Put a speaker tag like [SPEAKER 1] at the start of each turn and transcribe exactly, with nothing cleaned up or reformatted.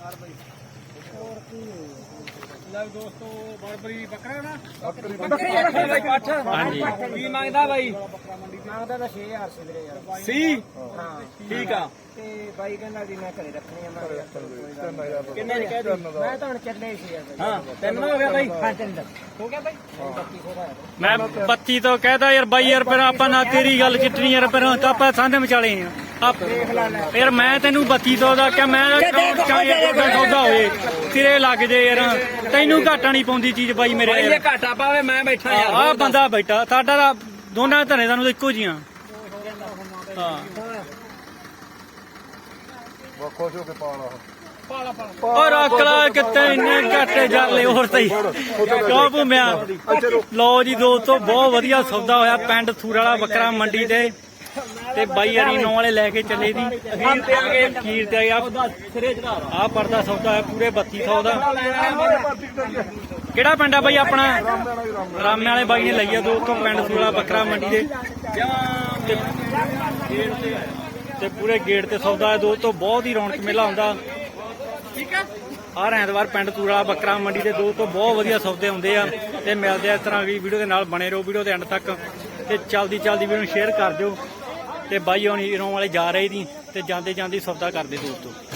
[SPEAKER 1] ਦੋਸਤੋ ਬਰਬਰੀ ਬੱਕਰਾ ਨਾ
[SPEAKER 2] ਬੱਕਰੀ
[SPEAKER 1] ਬੱਕਰੀ ਬਾਈ ਪੱਠ
[SPEAKER 3] ਹਾਂਜੀ
[SPEAKER 1] ਕੀ ਮੰਗਦਾ ਬਾਈ
[SPEAKER 4] ਮੰਗਦਾ ਤਾਂ ਛੇ ਹਜ਼ਾਰ ਸੀ ਵੀਰੇ ਯਾਰ।
[SPEAKER 1] ਸੀ
[SPEAKER 4] ਹਾਂ
[SPEAKER 1] ਠੀਕ ਆ
[SPEAKER 4] ਤੇ ਬਾਈ ਕਹਿੰਦਾ ਵੀ ਮੈਂ ਘਰੇ ਰੱਖਣੀ ਆ। ਮੈਂ ਕਿਹਾ ਚਲੋ ਕੋਈ ਗੱਲ
[SPEAKER 2] ਤਿੰਨ ਹਜ਼ਾਰ
[SPEAKER 1] ਕਿੰਨੇ ਦੀ ਕਹਿ ਦਿੱਤੀ?
[SPEAKER 4] ਨੀ। ਮੈਂ ਤਾਂ ਹੁਣ ਚੱਲੇ ਸੀ ਯਾਰ ਬਾਈ।
[SPEAKER 1] ਹਾਂ ਤਿੰਨ ਹੋ ਗਿਆ ਬਾਈ
[SPEAKER 4] ਹਾਂ ਤਿੰਨ ਦਾ ਹੋ ਗਿਆ ਬਾਈ ਬੱਤੀ ਸੌ ਦਾ ਹੈ।
[SPEAKER 3] ਮੈਂ ਬੱਤੀ ਤੋਂ ਕਹਿਦਾ ਯਾਰ ਬਾਈ ਯਾਰ ਫਿਰ ਆਪਾਂ ਨਾ ਤੇਰੀ ਗੱਲ ਚਿੱਟਣੀ ਯਾਰ ਫਿਰ ਤਾਂ ਆਪਾਂ ਸਾਂਝੇ ਵਿਚਾਲੇ ਆ ਆਪ ਯਾਰ ਮੈਂ ਤੈਨੂੰ ਬੱਤੀ ਤੋਂ ਦਾ ਕਿ ਮੈਂ ਚਾਹੇ ਕੋਈ ਸੌਦਾ ਹੋਏ ਸਿਰੇ ਲੱਗ ਜੇ ਯਾਰ ਤੈਨੂੰ ਘਾਟਾ ਨਹੀਂ ਪਾਉਂਦੀ ਚੀਜ਼ ਬਾਈ ਮੇਰੇ
[SPEAKER 1] ਬਾਈ
[SPEAKER 3] ਯਾਰ
[SPEAKER 1] ਇਹ ਘਾਟਾ ਪਾਵੇ ਮੈਂ ਬੈਠਾ ਯਾਰ
[SPEAKER 3] ਆਹ ਬੰਦਾ ਬੈਠਾ ਸਾਡਾ ਤਾਂ ਦੋਨਾਂ ਧਨੇ ਸਾਨੂੰ ਇੱਕੋ ਜੀਆਂ ਹਾਂ
[SPEAKER 2] ਵਾ ਖੁਸ਼ ਹੋ ਕੇ ਪਾਲਾ
[SPEAKER 3] ਔਰ ਅਕਲਾ ਕਿਤੇ ਇੰਨੇ ਘਾਟੇ ਜਾਲੇ ਹੋਰ ਸਹੀ ਕਿਉਂ ਭੂਮਿਆ ਲਓ ਜੀ ਦੋਸਤੋ ਬਹੁਤ ਵਧੀਆ ਸੌਦਾ ਹੋਇਆ ਪਿੰਡ ਥੂਰ ਵਾਲਾ ਬੱਕਰਾ ਮੰਡੀ ਤੇ ਤੇ ਬਾਈ ਯਾਰੀ ਨੌ ਵਾਲੇ ਲੈ ਕੇ ਚੱਲੇ ਦੀ ਅਖੀਰ ਤੇ ਆ ਗਏ ਅਖੀਰ ਤੇ ਆ
[SPEAKER 1] ਸਿਰੇ ਚੜਾ
[SPEAKER 3] ਆਹ ਪਰਦਾ ਸੌਦਾ ਹੈ ਪੂਰੇ ਬੱਤੀ ਸੌ ਦਾ ਕਿਹੜਾ ਪਿੰਡ ਆ ਬਾਈ ਆਪਣਾ ਰਾਮੇ ਵਾਲੇ ਬਾਈ ਨੇ ਲਈ ਆ ਦੋਸਤੋ ਪਿੰਡ ਥੂਰ ਵਾਲਾ ਬੱਕਰਾ ਮੰਡੀ ਦੇ ਤੇ ਪੂਰੇ ਗੇਟ ਤੇ ਸੌਦਾ ਹੈ ਦੋਸਤੋ ਬਹੁਤ ਹੀ ਰੌਣਕ ਮੇਲਾ ਹੁੰਦਾ ਹਰ ਐਤਵਾਰ ਪਿੰਡ ਤੂਰ ਵਾਲਾ ਬੱਕਰਾ ਮੰਡੀ ਦੇ ਦੋਸਤੋ ਬਹੁਤ ਵਧੀਆ ਸੌਦੇ ਹੁੰਦੇ ਆ ਤੇ ਮਿਲਦੇ ਆ ਇਸ ਤਰ੍ਹਾਂ ਵੀ ਵੀਡੀਓ ਦੇ ਨਾਲ ਬਣੇ ਰਹੋ ਵੀਡੀਓ ਦੇ ਐਂਡ ਤੱਕ ਤੇ ਚਲਦੀ ਚਲਦੀ ਵੀਡੀਓ ਨੂੰ ਸ਼ੇਅਰ ਕਰ ਦਿਓ ਤੇ ਬਾਈ ਹੋਣੀ ਰੋਂ ਵਾਲੇ ਜਾ ਰਹੇ ਦੀ ਤੇ ਜਾਂਦੇ ਜਾਂਦੇ ਸੌਦਾ ਕਰਦੇ ਦੋਸਤੋ।